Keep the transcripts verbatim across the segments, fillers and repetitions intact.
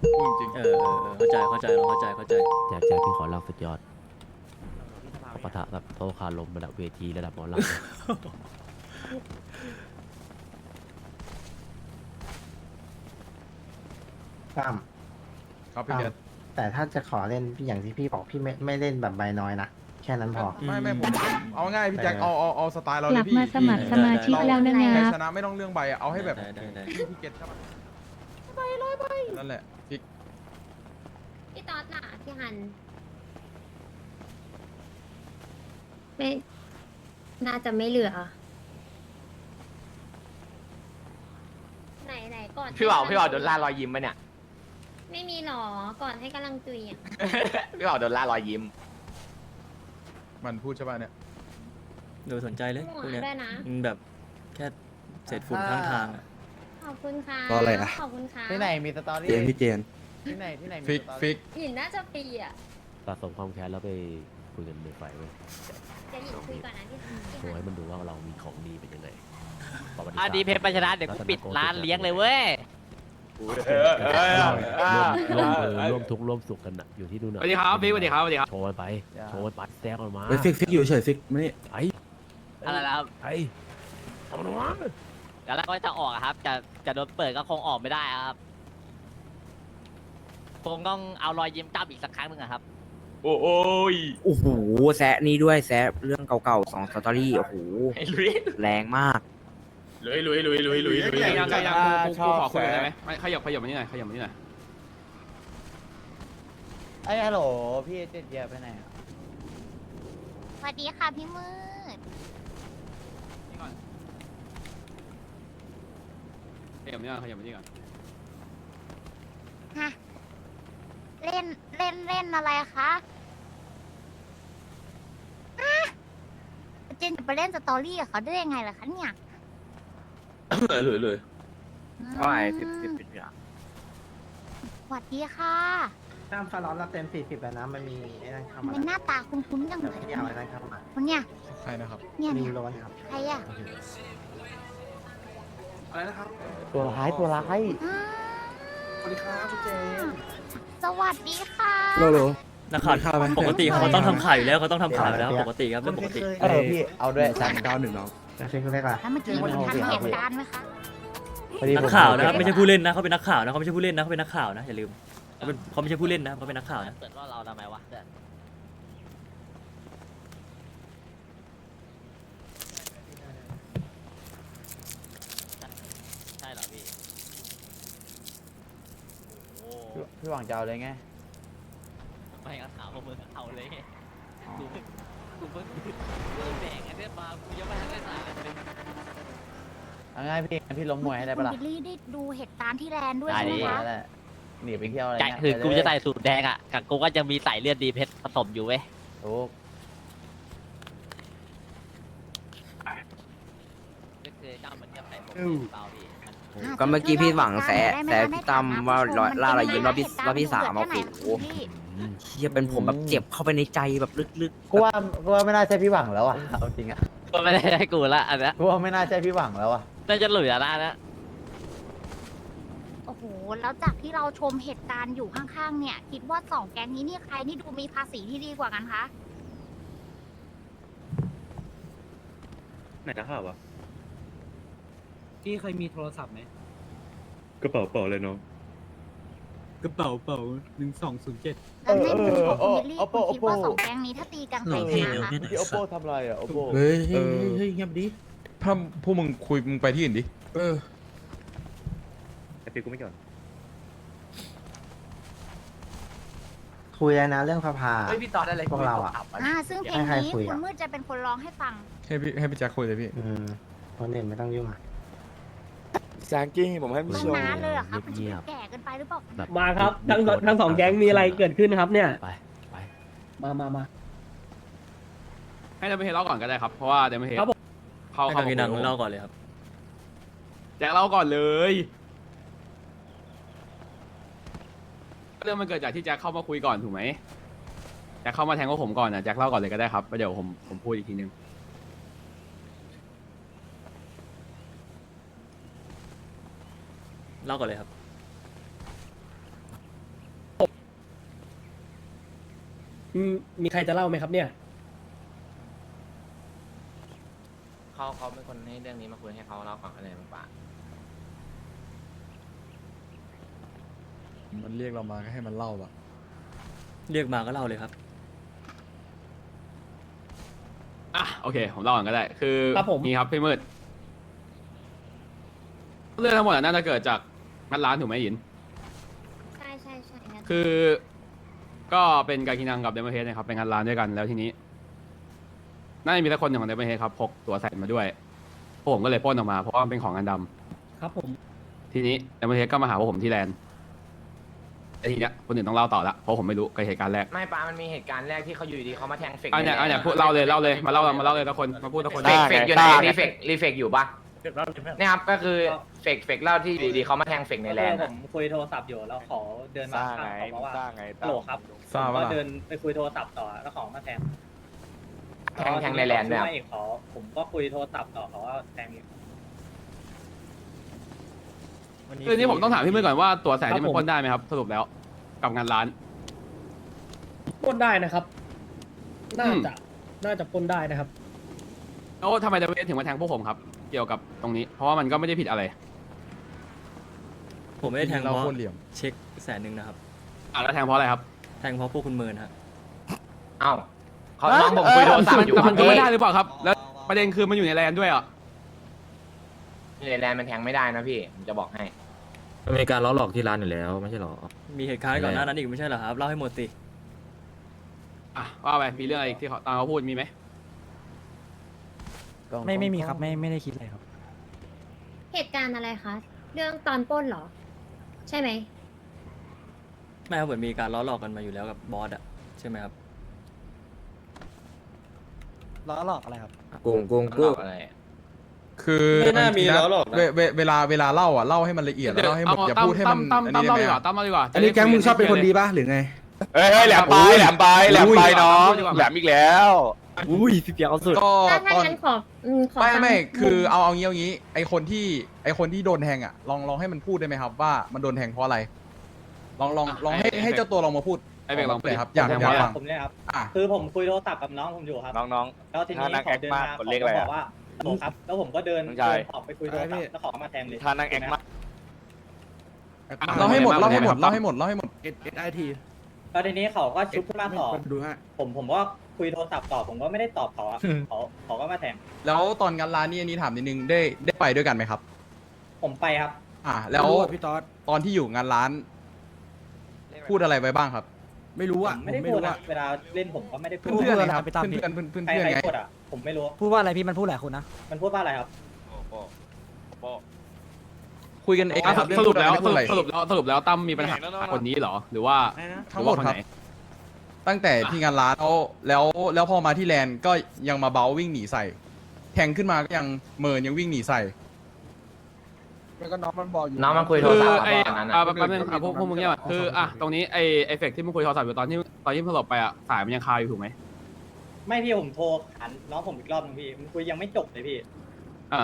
พูดจริงเออเออเออเข้าใจเข้าใจเราเข้าใจเข้าใจแจ็คแจ็คพี่ขอเล่าสุดยอดปะทะกับโตคาลมระดับเวทีระดับหมอลำตั้มครับพี่เบียร์แต่ถ้าจะขอเล่นพี่อย่างที่พี่บอกพี่ไม่ไม่เล่นแบบใบน้อยนะแค่นั้นพอไม่ไม่ผมเอาง่ายพี่แจ็คเอาเอาเอาสไตล์เรากเลลัยบพี่มาสมัครสมาชิกแล้วนะใครงับชนะไม่ต้องเรื่องใบอะเอาให้แบบได้ได้ได้พี่พี่เก็ตใช่ปะใบร้อยใบนั่นแหละพี่พี่ต๊อดล่ะพี่ฮันไม่น่าจะไม่เหลือ ไหนไหนก่อนพี่บ่าวพี่บ่าวโดนล่ารอยยิ้มปะเนี่ยไม่มีหรอก่อนให้กำลังจุยอ่ะพี่บ่าวโดนล่ารอยยิ้มมันพูดใช่ปะเนี่ยดูสนใจเลยหัพววกเนี้ยด้วยนะมันแบบแค่เศษฝุ่นข้างทางอะขอบคุณค่ะก็อะไรอะขอบคุณค่ะที่ไหนมีสตอรี่เจนพี่เจนที่ไหนที่ไหนมีฟิกสตอรี่ฟิกหยินน่าจะปีอ่ะสะสมความแค้นแล้วไปคุยกันในไฟเว้ยจะหยินคุยก่อนนะพี่พี่โชว์ฮัให้นมันดูว่าเรามีของดีเป็นยังไงประวัติศาอ่ะสตร์ดีเพชรปัญชนะเดี๋ยวกูปิดร้านเลี้ยงเลยเว้ยร่วมร่วมมือร่วมทุกข์ร่วมสุขกันนะอยู่ที่ดูหน่อยสวัสดีครับพี่สวัสดีครับสวัสดีครับโชว์มันไปโชว์มันไปแซกออกมาเฮ้ยฟิกฟิกอยู่เฉยฟิกมานี่ไอ้อะไรนะครับไอ้ทำมันวะเดี๋ยวแล้วก็จะออกอะครับ จะจะโดนเปิดก็คงออกไม่ได้อะครับคงต้องเอารอยยิ้มกลับอีกสักครั้งหนึ่งอะครับ โอ้ยโอ้โหแซะนี่ด้วยแซะเรื่องเก่าๆสองสตอรี่โอ้โหลุยแรงมากลุยลุยลุยลุยลุยลุยยังยังยังกูกูขอคุยได้ไหมไม่ขยับขยับมานี่หน่อยขยับมานี่หน่อยไอ้ฮัลโหลพี่เจ็ดเยียไปไหนอ่ะสวัสดีค่ะพี่มืดนี่ก่อนขยับมานี่ก่อนขยับมานี่ก่อนฮะเล่นเล่นเล่นอะไรคะอ่ะเจนจะไปเล่นสตอรี่กับเขาได้ยังไงล่ะคะเนี่ยเลยเลยก็ไอ้สิบสิบสิบอย่างสวัสดีค่ะตั้มฟาร้อนเราเต็มสี่สิบแล้วนะมันมีไอ้นั่นเข้ามาเป็นหน้าตาคุ้นๆจังแต่เลยพี่เอาไอ้นั่นเข้ามาคนเนี่ยใครนะครับเนี่ยนิเนี่วย โรนครับใครอ่ะอะไรนะครับตัวร้ายตัวร้ายอ่าสวัสดีครับพี่เจนสวัสดีค่ะโลโลนักข่าวข้าวไหมปกติเขาต้องทำข่าวอยู่แล้วเขาต้องทำข่าวอยู่แล้วปกติครับเรื่องปกติเออพี่เอาด้วยสามเก้าหนึ่งน้องแล้วฟิกเรียกอะไรแล้วเมื่อกี้คุณทันเหตุการณ์ไหมคะนักข่าวนะครับไม่ใช่ผู้เล่นนะเขาเป็นนักข่าวนะเขาไม่ใช่ผู้เล่นนะเขาเป็นนักข่าวนะอย่าลืมเขาเป็นเขาไม่ใช่ผู้เล่นนะเขาเป็นนักข่าวนะเปิดว่าเราทำไมวะเดี๋ยวใช่เหรอพี่โอ้โหพี่หวังจะเอาเลยไงไม่ก็ถามว่ามึงเอาเลยไงกูเพิ่งกูเพิ่งกูเพิ่งแดงไอ้เนี่ยมากูยังไม่ทันได้ใส่เลยเอาง่ายพี่พี่ล้มมวยให้ได้คุปะณล่ะบิลลี่ได้ดูเหตุการณ์ที่แลนด์ด้วยได้ใช่ไหมดิคะนั่นแหละหนีไปเที่ยวอะไรใจเงี้ยคือกูไปเลยจะใส่สูตรแดงอ่ะกับกูก็จะมีใส่เลือดดีเพชรผสมอยู่เว้ยถูกก็คือเจ้ามันจะใส่ผมเปล่าพี่อ่ะก็เมื่อกี้พี่หวังแซะได้ไหมแซะคะพี่ตั้มว่าในฐนะล่ารอยยิ้มรอบที่นเป็นรอบที่สามเหโอ้ตุโหการณ์ที่เกิดขึ้นไหนคะพี่เชี่ยเป็นผมแบบเจ็บเข้าไปในใจแบบลึกกูว่ากูว่าไม่น่าใช่พี่หวังแล้วอ่ะเอาจริงอ่ะก็ไม่ได้ให้กูละอันเนี้ยกูว่าไม่น่าใช่พี่หวังแล้วอ่ะน่าจะเหลือละนะโอ้โห แล้วจากที่เราชมเหตุการณ์อยู่ข้างๆ เนี่ย คิดว่าสองแก๊งนี้นี่ใครนี่ดูมีภาษีที่ดีกว่ากันคะไหนนะครับวะพี่เคยมีโทรศัพท์ไหมกระเป๋าเป๋าเลยน้องกระเป๋าเป๋าหนึ่งสองศูนย์เจ็ดแล้วในมุมของคุณบิลลี่คุณคิดว่าสองแก๊งนี้ถ้าตีกันใครชนะคะพี่โอโปทำอะไรอ่ะโอโปเฮ้ยเฮ้ยเฮ้ยเงียบดิถ้าพวกมึงคุยมึงไปที่อื่นดิเออไอ้ปีกูไม่ก่อนคุยแล้วนะเรื่องพาพาเฮ้ยพี่ตอนอะไรพวกเราอะอ่า ซึ่งเพลงให้ใครนี้คุยคุอะณมืดจะเป็นคนร้องให้ฟังให้พี่ให้พี่แจ็คคุยเลยพี่อืมคนอื่นไม่ต้องยุ่งอ่ะแซงกิ้งผมให้ต้พี่นชมน้าเลยเหรอครับมันจะเงียบแก่เกินไปหรือเปล่าๆแบบมาครับทั้งทั้งสองแก๊งมีอะไรเกิดขึ้นครับเนี่ยไปไปมามามาให้เดมเฮเล่าก่อนก็ได้ครับ เพราะว่าเดมเฮครับผมเขาให้เขาทางกินังเล่าก่อนเลยครับแจ็คเล่าก่อนเลยเรื่องมันเกิดจากที่แจ็คเข้ามาคุยก่อนถูกไหมแจ็คเข้ามาแทงกับผมก่อนนะแจ็คเล่าก่อนเลยก็ได้ครับแล้วเดี๋ยวผมผมพูดอีกทีนึงเล่าก่อนเลยครับมีใครจะเล่าไหมครับเนี่ยเขาเขาเป็นคนให้เรื่องนี้มาคุยให้เขาเล่าก่อนอะไรบ้างปะมันเรียกเรามาก็ให้มันเล่าอะเรียกมาก็เล่าเลยครับอ่ะโอเค ผมเล่าก่อนก็ได้ คือครับผมนี่ครับพี่มืดเรื่องทั้งหมดอะน่าจะเกิดจากงัดร้านถูกไหมหยินใช่ใช่ใช่งั้นคือก็เป็นการกินังกับเดมเฮดนะครับเป็นงานร้านด้วยกันแล้วทีนี้น่าจะมีสักคนหนึ่งของเดมเฮดครับพกตัวใส่มาด้วยพวกผมก็เลยปล้นออกมาเพราะว่ามันเป็นของงานดำครับผมทีนี้เดมเฮดก็มาหาพวกผมที่แลนด์แต่ทีเนี้ยคนอื่นต้องเล่าต่อละเพราะผมไม่รู้กับเหตุการณ์แรกไม่ป้ามันมีเหตุการณ์แรกที่เขาอยู่ดีเขามาแทงเฟกอันเนี้ยอันเนี้ยพูดเล่าเลยเล่าเลยมาเล่ามาเล่าเลยทุกคนมาพูดทุกคนเฟกเฟกอยู่ไหนรีเฟกรีเฟกอยู่ปะเนี่ยครับก็คือเฟกเฟกเล่าที่อยู่ดีเขามาแทงเฟกในแลนด์ผมคุยโทรศัพท์อยู่แล้วขอเดินมาข้างเขาบอกว่าฮัลโหลครับทราบผมว่าก็เดินไปคุยโทรศัพท์ต่อแล้วเขอมาแทงแทงแทงในแลนด์ด้วยไม่เขาผมก็คุยโทรศัพท์ต่อเขาว่าแทงอีกคือนี้ผมต้องถามพี่มืดก่อนว่าตัวแสนนี่มันปล้นได้ไหมครับสรุปแล้วกับงานร้านปล้นได้นะครับ น่าอืมจะน่าจะปล้นได้นะครับแล้วทำไมเดมเฮดถึงมาแทงพวกผมครับเกี่ยวกับตรงนี้ เพราะว่ามันก็ไม่ได้ผิดอะไรผมไม่ได้แทงเพเราราะโคตรเหลี่ยมเช็คแสนหนึ่งนะครับอ่ะแล้วแทงเพราะอะไรครับแทงเพราะพวกคุณเมินฮะเอ้าเขาน้องผมคุยโทรศัพท์อยู่แต่คมัรันบก็พี่ไม่ได้หรือเปล่าครับ แล้วประเด็นคือมันอยู่ในแลนด์ด้วยอ่ะในแลนด์มันแทงไม่ได้นะพี่ผมจะบอกให้มันมีการล้อหลอกที่ร้านอยู่แล้วไม่ใช่หรอมีเหตุการณ์ก่อนหน้านั้นอีกไม่ใช่เหรอครับ เล่าให้หมดสิอ่ะว่าไปมีเรื่องอะไรอีกที่เขาตามเขาพูดมีไหมไม่ไม่มีครับไม่ไม่ได้คิดอะไรครับเหตุการณ์อะไรคะ เรื่องตอนปล้นเหรอ ใช่ไหมไม่ครับเหมือนมีการล้อหลอกกันมาอยู่แล้วกับบอสอะใช่ไหมครับล้อหลอกอะไรครับโกงโกงโกงอะไรคือไม่น่ามีบงทีะแล้วหรอกนะเวเวเวลาเวลาเล่าอ่ะเล่าให้มันละเอียดแล้วเล่าให้หมดอย่าพูดให้มันตั้มอันตั้มนี้ได้ตั้มไหมเล่าดีกว่าตั้มเล่าดีกว่าอันนี้แก๊งมึงชอบเป็นคนดีป่ะหรือไงเฮ้ยแหลมไปแหลมไปแหลมไปน้องแหลมอีกแล้วอุ้ยพี่เปียกเอาสุดก็ถ้าถ้าตอนงั้นขออืมขอไม่ฟังไม่มุมคือเอาเอางี้เอางี้ไอคนที่ไอคนที่โดนแทงอ่ะลองลองให้มันพูดได้ไหมครับว่ามันโดนแทงเพราะอะไร ลองลองลองให้ให้เจ้าตัวลองมาพูดไอ้เบกลองเลยครับอยากแทงอยากเพราะอะไรฟังผมเนี่ยครับอ่ะคือผมคุยโทรศัพท์กับน้องผมอยู่ครับน้องแล้วทีนี้ถ้านั่งเขาเดินมาแอคมากเขาคนเล็กเลยบอะอกว่าฮัลโหลครับ แล้วผมก็เดินน้องชายเดินออกไปคุยโทรศัพท์แล้วเขาก็มาแทงเลยๆท่านั่งแอคมากเล่าให้หมดอ่ะเล่าให้หมดครับเล่าให้หมดเล่าให้หมดเอสเอสไอทีแล้วทีนี้เขาก็ชุบขึ้นมาต่อดูฮะผมผมก็คุยโทรศัพท์ต่อผมก็ไม่ได้ตอบเขาอะเขาเขาก็มาแทงแล้วตอนงานร้านนี่อันนี้ถามนิดนึงได้ได้ไปด้วยกันไหมครับผมไปครับอ่ะแล้วไม่รู้อะพี่ต๊อดตอนที่อยู่งานร้าน พูดอะไรไปบ้างครับไม่รู้ผอ่ะมไม่ได้ไม่พูดรู้นะอ่ะเวลาเล่นผมก็ไม่ได้พูดเพื่อนๆเลยครับไปตามเพื่อนๆเพื่อนๆเพื่อนใครๆใครไงพูดอะผมไม่รู้พูดว่าอะไรพี่มันพูดหลายคนนะมันพูดว่าอะไรครับคุยกันเองอ่ะครับเองสรุปแล้วพูดอะไรสรุปแล้วสรุปแล้วตั้มมีปัญหาคนนี้เหรอ หรือว่าทั้งหมดครับรือว่าคนไนตั้งแต่ที่งานร้านแล้วแล้วแล้วพอมาที่แลนด์ก็ยังมาเบาวิ่งหนีใส่ แทงขึ้นมาก็ยังเมินยังวิ่งหนีใส่แล้วก็น้องมันบอกอยู่น้องมันคุยโทรคือศัพท์ไอ้ตอนนั้นอ่าอะแป๊บนึงอ่ะพวกพวกมึงเนี่ยคืออ่ะตรงนี้ไอ้ไอ้เฟกที่มึงคุยโทรศัพท์อยู่ตอนที่ตอนที่มึงสลบไปอ่ะสายมันยังคาอยู่ถูกไหมไม่พี่ผมโทรหันน้องผมอีกรอบนึงพี่มันคุยยังไม่จบเลยพี่อ่ะ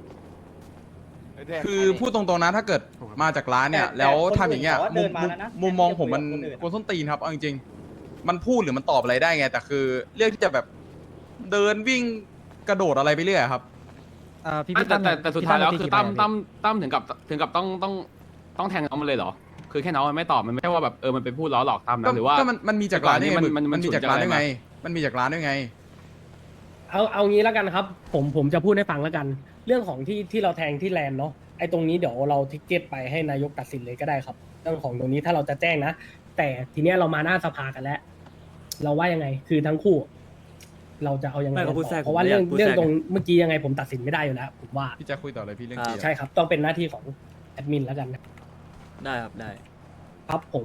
คือพูดตรงๆนะถ้าเกิดมาจากร้านเนี่ยแต่แล้วแต่ทำอย่างเงี้ยคนอื่นมุมเขาว่าเดินมาแล้วนะมุมมองผมมันคนอื่นกวนส้นตีนครับเอาจริงๆมันพูดหรือมันตอบอะไรได้ไง แต่คือเรื่องที่จะแบบเดินวิ่งกระโดดอะไรไปเรื่อยครับเอ่อพี่แต่พี่ตั้มแต่แต่สุดท้ายแล้วพี่คือตั้ตั้มมตีกี่ใบอะตั้มตั้มถึงกับถึงกับต้องต้องต้องแทงน้องมันเลยเหรอ คือแค่น้องมันไม่ตอบมันไม่ใช่ว่าแบบเออมันไปพูดล้อหลอกตั้มก็นะหรือว่าก็มันมันมีจากร้านได้ไงมันมันมันมันมีจากร้านได้ฉุนจากอะไรไงมามันมีจากร้านได้ไงเอาเอางี้แล้วกันครับ ผมผมจะพูดให้ฟังแล้วกัน เรื่องของที่ที่เราแทงที่แลนด์เนาะไอ้ตรงนี้เดี๋ยวเราทิกเก็ตไปให้นายกตัดสินเลยก็ได้ครับ เรื่องของตรงนี้ถ้าเราจะแจ้งนะ แต่ทีเนี้ยเรามาหน้าสภากันแล้ว เราว่ายังไงคือทั้งคู่ เราจะเอายังไงไม่กันเขาพูดแทรต่อก เพราะว่าเรื่องผมไม่อยากพูดเรื่องแทรกตรงเมื่อกี้ยังไงผมตัดสินไม่ได้อยู่แล้วผมว่าพี่จะคุยต่อเลยพี่เรื่องอ่าเกียร์ใช่ครับ ต้องเป็นหน้าที่ของแอดมินแล้วกันนะได้ครับได้ครับผม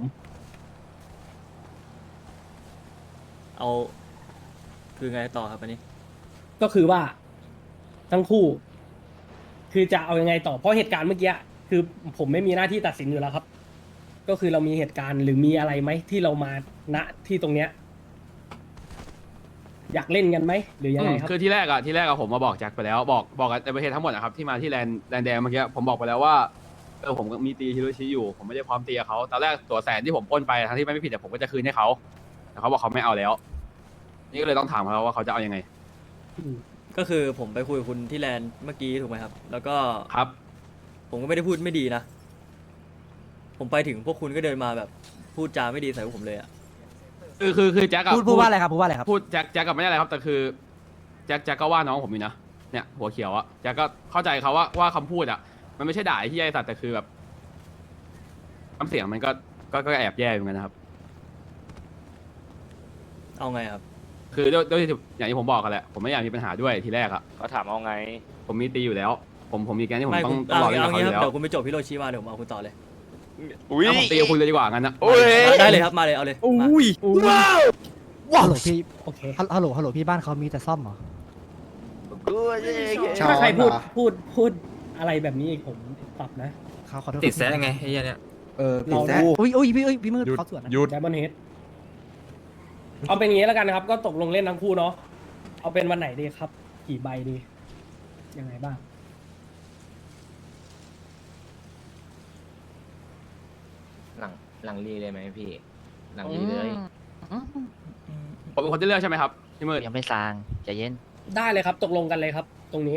เอาคือไงต่อครับอันนี้ก็คือว่าทั้งคู่ คือจะเอายังไงต่อเพราะเหตุการณ์เมื่อกี้คือผมไม่มีหน้าที่ตัดสินอยู่แล้วครับ ก็คือเรามีเหตุการณ์หรือมีอะไรไหมที่เรามาณที่ตรงเนี้ย อยากเล่นกันไหมหรือยังไงครับคือที่แรกอะที่แรกอะผมมาบอกแจ็คไปแล้วบอกบอกกับในประเทศทั้งหมดนะครับที่มาที่แลนด์แลนด์แดงเมื่อกี้ผมบอกไปแล้วว่าเออผมมีตีฮิโรชิอยู่ผมไม่ได้พร้อมตีกับเขาตอนแรกตัวแสนที่ผมปล้นไปทั้งที่ไม่ผิดแต่ผมก็จะคืนให้เขาแต่เขาบอกเขาไม่เอาแล้ว นี่ก็เลยต้องถามเขาว่าเขาจะเอายังไงก็คือผมไปคุยกับคุณที่แลนด์เมื่อกี้ถูกไหมครับ แล้วก็ครับผมก็ไม่ได้พูดไม่ดีนะ ผมไปถึงพวกคุณก็เดินมาแบบพูดจาไม่ดีใส่พวกผมเลยอะคือคือคือแจ็คกับพูดพูดว่าอะไรครับพูดว่าอะไรครับพูดแจ็คแจ็คกับไม่ได้อะไรครับ แต่คือแจ็คแจ็คก็ว่าน้องผมอยู่นะเนี่ยหัวเขียวอะแจ็คก็เข้าใจเขาว่าว่าคำพูดอะมันไม่ใช่ด่าไอ้ที่ไอ้สัตว์แต่คือแบบน้ำเสียงมันก็ก็ก็แอบแย่เหมือนกันนะครับเอาไงครับคือด้วยด้วยอย่างที่ผมบอกกันแหละผมไม่อยากมีปัญหาด้วยทีแรกอะเขาถามเอาไงผมมีตีอยู่แล้ว ผมผมมีแกนที่ผมไม่ต้อคุงณต้องเอารอเล่นเอากับเขางี้อครับยู่แล้วเดี๋ยวคุณไปจบฮิโรชิมาเดี๋ยวผมเอาคุณต่อเลยอุ้ยเอาผมตีกับคุณเลยดีกว่างั้นนะโอ้ยได้เลยครับมาเลยเอาเลยมาฮัลโหลพี่โอเคฮัลโหลฮัลโหลพี่บ้านเขามีแต่ซ่อมเหรอชอบถ้าใครพูดเหรอพูดพูดอะไรแบบนี้อีกผมปรับนะเขาขอโทษติดแซะไงไอ้เนี่ยเออติดเราแซะอุ้ยอุ้ยพี่เอ้ยพี่มืดหยุดเขาสวนนะหยุดไดมอนเฮดเอาเป็นอย่างนี้แล้วกันนะครับ ก็ตกลงเล่นทั้งคู่เนาะเอาเป็นวันไหนดีครับ กี่ใบดี ยังไงบ้างหลังหลังรีเลยไหมพี่ หลังรีเลยผมเป็นคนที่เลือกใช่ไหมครับพี่มืดยังไม่สางใจเย็นได้เลยครับ ตกลงกันเลยครับ ตรงนี้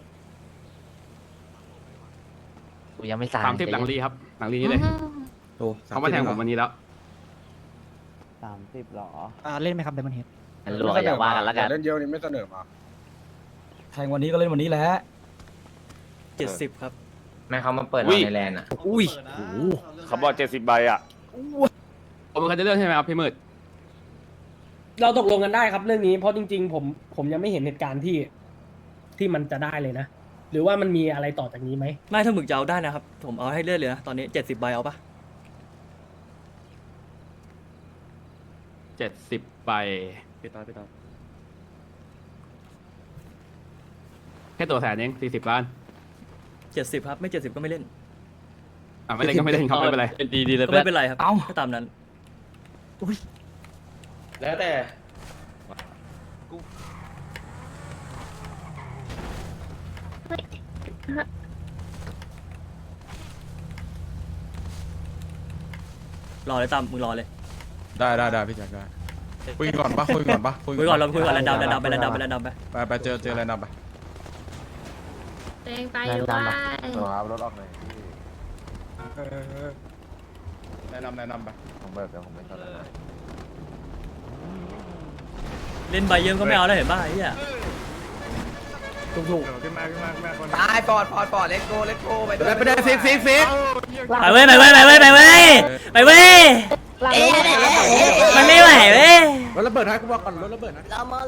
กูยังไม่สางสามสิบหลังรีครับ หลังรีนี้เลยโอ้เขามาแทงผมวันนี้แล้วสามสิบหรออ่าเล่นไหมครับไดมอนเฮดงั้นรัวก็อย่าว่ากันแล้วกันเล่นเยอะนี่ไม่เสนอมาแทงวันนี้ก็เล่นวันนี้แหละเจ็ดสิบครับแม่เขามาเปิดอุ้เรายในแลนด์อ่ะอุ้ยเขาบอกเจ็ดสิบใบอ่ะผมเป็นคนที่เลือกใช่ไหมครับพี่มืดเราตกลงกันได้ครับเรื่องนี้ เพราะจริง ๆ ผมผมยังไม่เห็นเหตุการณ์ที่ที่มันจะได้เลยนะ หรือว่ามันมีอะไรต่อจากนี้ไหมไม่ถ้าหมึกจะเอาได้นะครับ ผมเอาให้เลือดเลยนะตอนนี้เจ็ดสิบใบเอาปะเจ็ดสิบใบพี่ต่อพี่ต่อแค่ตัวแสนเองสี่สิบล้านเจ็ดสิบครับไม่เจ็ดสิบก็ไม่เล่นอ่ะไม่เล่นก็ไม่เล่นครับไม่เป็นไรดีดีเลยก็ไม่เป็นไรครับก็ตามนั้นแล้วแต่รอเลยตามมึงรอเลยได้ได้ได้พี่แจ็คได้คุยก่อนปะคุยก่อนปะคุยก่อนเราคุยก่อนแลนด์ดาวแลนด์ดาวไปแลนด์ดาวไปแลนด์ดาวไปไปไปเจอเจออะไรนำไปเองไปแนะด้วนำปะยครับรถออกหน่อยแนะนำแนะนำไปผมเบิกเดี๋ยวผมไม่ต้องแล้วเล่นใบเยิ้มก็ไม่เอาแล้วเห็นป่ะไอ้เหี้ยตายปอดปอดปอดเล็กโกเล็กโกไปด้วยไปได้ฟิกฟิกฟิกไปเว้ยไปเว้ยไปเว้ยไปเว้ยไปเว้ยมันไม่ไหวเว้ยรถระเบิดให้กูบอกก่อนรถระเบิดนะ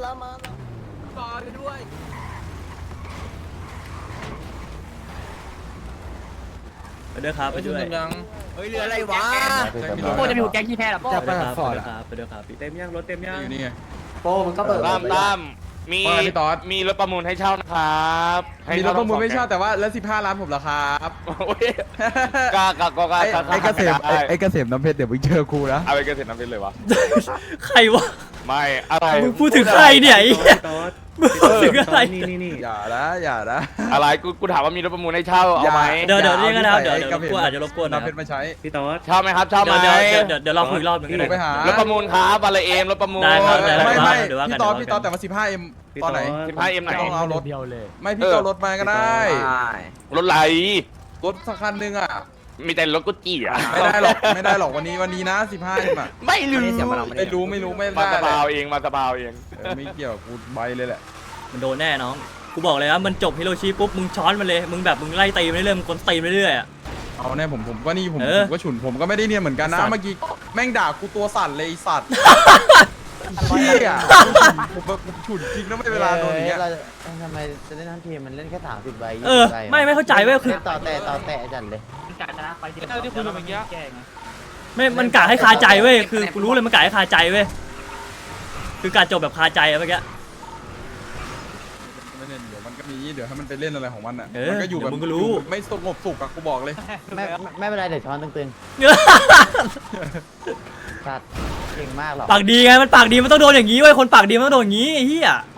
ไปด้วยครับไปด้วยเฮ้ยเรืออะไรวะโป้จะมีหัวแก๊งที่แพ้หรอโป้จะไปไปหาครับฟอร์ดไปครับไปด้วยครับเต็มยังรถเต็มยังอยู่นี่ไงโป้มันก็เบิกตามตามมีว่าไงพี่ต๊อดมีรถประมูลให้เช่านะครับให้มีรถประมูลไม่เช่าทั้งสองแต่ว่าแล้วสิบห้าล้านผมเหรอครับโอ้ยกล้ากล้ากล้าไอ้กล้าไอ้เกษมได้ไอ้เกษมน้ำเพชรเดี๋ยวมึงเจอกูนะเอาไปเกษตรน้ำเพชรเลยวะใครวะไม่อะไรมึงพูดถึงใครเนี่ยไอ้เหี้ยมึงพูดถึงอะไรอย่านะอย่านะอะไรกูกูถามว่ามีรถประมูลให้เช่าเอาไหมเดี๋ยวเดี๋ยวเรียกกันนะครับเดี๋ยวไอ้เดี๋ยวรบกวนอาจจะรบกวนนะคน้ำเพรับชรมาใช้เช่าไหมครับเช่าไหมเดี๋ยวเดี๋ยวเดี๋ยวเดี๋ยวเราคุยรอบหนึงก็พี่ได้ไปหารถประมูลครับอะไรเอ็มรถประมูลได้ครับได้ไม่ไม่เดี๋ยวว่ากันพี่ต๊อดเดี๋ยวว่ากันพี่ต๊อดแต่ว่าสิบห้าเอ็มตอนไหนสิบห้าเอ็มไหนต้องเอารถเดียวเลยไม่พี่ก็เอารถมาก็ได้รถไหลรถสักคันหนึงอ่ะมีแต่รถกุจิอ่ะไม่ได้หรอกไม่ได้หรอกวันนี้วันนี้นะสิบห้าเอ็มอ่ะไม่รู้ไม่รู้ไม่รู้ไม่มาได้สเลบาวย เองมาสบาวเองเออไม่เกี่ยวกูใบเลยแหละมันโดนแน่น้องกูบอกเลยว่ามันจบฮิโรชิปุ๊บมึงช้อนมันเลยมึงแบบมึงไล่ตีมันเรื่อยๆมึงกดตีมันเรื่อยๆอ่ะเอาแน่ผมผมก็นี่ผมเออผมก็ฉุนผมก็ไม่ได้เนียนเหมือนกันสันะตว์เมื่อกี้แม่งด่ากูตัวสั่นเลยไอ้สัตว์เชี่ยผมแบบผมฉุนจริงนะไม่เวลาโดนอย่างเงี้ยทำไมจะเล่นทั้งทีมมันเล่นแค่สามสิบใบเออไม่ไม่เข้าใจเว้ยคือต่อแต่ต่อแต่จันเลยที่คุยกันเมื่อกี้ไม่มันกะให้คาใจเว้ยคือกูรู้เลยมันกะให้คาใจเว้ยคือการจบแบบคาใจอะเมื่อกี้ไม่เล่นเดี๋ยวมันก็มีเดี๋ยวให้มันไปเล่นอะไรของมันอ่ะเออมันก็อยู่แบบเดี๋ยวมึงก็รู้อยู่ไม่สงบสุขอะกูบอกเลยไม่ไม่เป็นไรเดี๋ยวช้อนตึงๆสัตว์เก่งมากหรอกปากดีไงมันปากดีมันต้องโดนอย่างนี้เว้ยคนปากดีมันต้องโดนอย่างนี้ไอ้เหี้ย